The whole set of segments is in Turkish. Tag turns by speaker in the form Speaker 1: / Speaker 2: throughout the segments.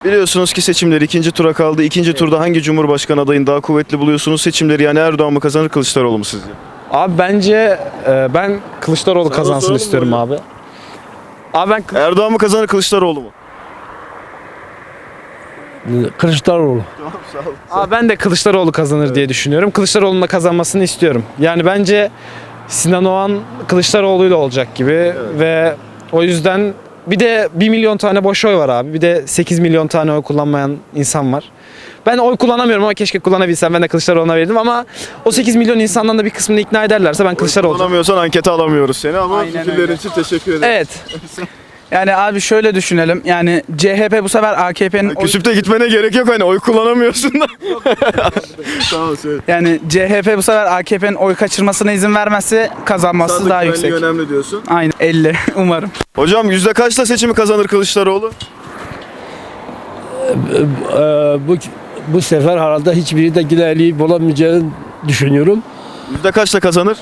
Speaker 1: Biliyorsunuz ki seçimler ikinci tura kaldı. İkinci turda hangi Cumhurbaşkanı adayını daha kuvvetli buluyorsunuz? Seçimleri yani Erdoğan mı kazanır, Kılıçdaroğlu mu sizce?
Speaker 2: Abi bence ben Kılıçdaroğlu
Speaker 1: Sana
Speaker 2: kazansın
Speaker 1: soralım mı
Speaker 2: istiyorum
Speaker 1: hocam?
Speaker 2: abi. Abi ben
Speaker 1: Erdoğan mı kazanır, Kılıçdaroğlu mu?
Speaker 3: Kılıçdaroğlu.
Speaker 1: Tamam, sağ ol.
Speaker 2: Abi ben de Kılıçdaroğlu kazanır diye düşünüyorum. Kılıçdaroğlu'nun da kazanmasını istiyorum. Yani bence Sinan Oğan Kılıçdaroğlu'yla olacak gibi ve o yüzden bir de 1 milyon tane boş oy var abi. Bir de 8 milyon tane oy kullanmayan insan var. Ben oy kullanamıyorum ama keşke kullanabilsem. Ben de Kılıçdaroğlu'na verirdim ama o 8 milyon insandan da bir kısmını ikna ederlerse ben Kılıçdaroğlu olacağım.
Speaker 1: Kullanamıyorsan ankete alamıyoruz seni ama
Speaker 4: Aynen
Speaker 1: fikirlerin
Speaker 4: öyle.
Speaker 1: için teşekkür ederim.
Speaker 4: Evet. Yani abi şöyle düşünelim. Yani CHP bu sefer AKP'nin
Speaker 1: Küsüp de gitmene gerek yok, hani oy kullanamıyorsun da. Tamam, söyle.
Speaker 4: yani CHP bu sefer AKP'nin oy kaçırmasına izin vermezse kazanması
Speaker 1: Sandık
Speaker 4: daha
Speaker 1: güvenliği
Speaker 4: yüksek.
Speaker 1: önemli diyorsun.
Speaker 4: Aynen 50 umarım.
Speaker 1: Hocam yüzde kaçla seçimi kazanır Kılıçdaroğlu?
Speaker 3: Bu sefer herhalde hiçbiri de yine eli bulamayacağını düşünüyorum.
Speaker 1: Yüzde kaçla kazanır?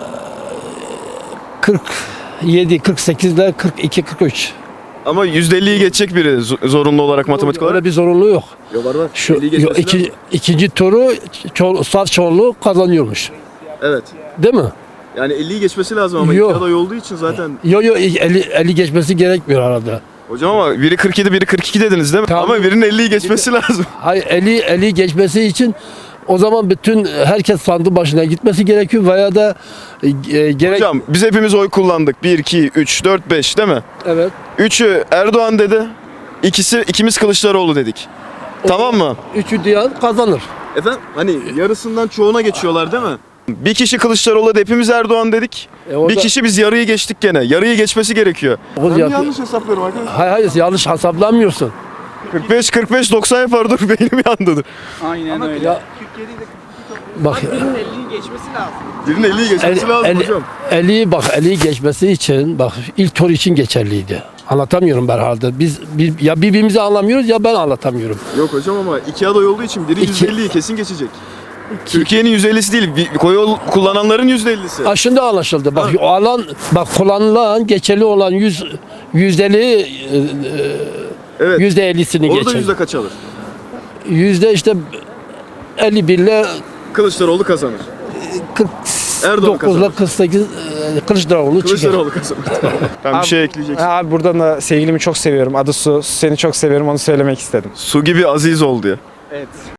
Speaker 3: 47, 48 ile 42, 43.
Speaker 1: Ama %50'yi geçecek biri zorunlu olarak matematik olarak.
Speaker 3: Öyle bir zorunlu yok.
Speaker 1: Yok, var.
Speaker 3: Şu
Speaker 1: 50'yi geçmesi
Speaker 3: ikinci turu saf çoğunluğu kazanıyormuş.
Speaker 1: Evet.
Speaker 3: Değil mi?
Speaker 1: Yani 50'yi geçmesi lazım ama
Speaker 3: Yok.
Speaker 1: iki aday olduğu için zaten.
Speaker 3: Yok 50 geçmesi gerekmiyor herhalde.
Speaker 1: Hocam ama biri 47, biri 42 dediniz değil mi?
Speaker 3: Tamam.
Speaker 1: Ama birinin 50'yi geçmesi lazım.
Speaker 3: Hayır 50 geçmesi için o zaman bütün herkes sandık başına gitmesi gerekiyor veya da gerek...
Speaker 1: Hocam biz hepimiz oy kullandık. 1, 2, 3, 4, 5 değil mi?
Speaker 3: Evet.
Speaker 1: 3'ü Erdoğan dedi. İkimiz Kılıçdaroğlu dedik. Tamam mı?
Speaker 3: Üçü diyen kazanır.
Speaker 1: Efendim hani yarısından çoğuna geçiyorlar değil mi? Bir kişi Kılıçdaroğlu da hepimiz Erdoğan dedik.
Speaker 3: Orada-
Speaker 1: Bir kişi biz yarıyı geçtik gene. Yarıyı geçmesi gerekiyor.
Speaker 3: Dokuz
Speaker 1: Ben mi
Speaker 3: yapıyor.
Speaker 1: yanlış hesaplıyorum arkadaşlar?
Speaker 3: Hayır yanlış hesaplamıyorsun.
Speaker 1: 45 90 yapar, dur beynim yandı. Dur.
Speaker 4: Aynen öyle.
Speaker 3: Ya, bak
Speaker 1: Birinin 50'yi geçmesi lazım hocam.
Speaker 3: 50'yi geçmesi için bak ilk tur için geçerliydi. Anlatamıyorum ben herhalde. Biz ya birbirimizi anlamıyoruz ya ben anlatamıyorum.
Speaker 1: Yok hocam ama iki aday olduğu için biri
Speaker 3: İki-
Speaker 1: %50'yi kesin geçecek. Türkiye'nin %50'si değil, oy kullananların %50'si.
Speaker 3: Ha, şimdi anlaşıldı. Bak kullanılan geçerli olan yüzdeli
Speaker 1: Evet.
Speaker 3: %50'sini
Speaker 1: Orada
Speaker 3: geçer.
Speaker 1: yüzde kaç alır?
Speaker 3: Yüzde işte 51 ile
Speaker 1: Kılıçdaroğlu kazanır.
Speaker 3: 49 ile 48 Kılıçdaroğlu çıkar.
Speaker 1: Kılıçdaroğlu kazanır. Ben bir şey ekleyeceksin.
Speaker 2: Abi buradan da sevgilimi çok seviyorum. Adı Su. Seni çok seviyorum. Onu söylemek istedim.
Speaker 1: Su gibi aziz ol diye.
Speaker 2: Evet.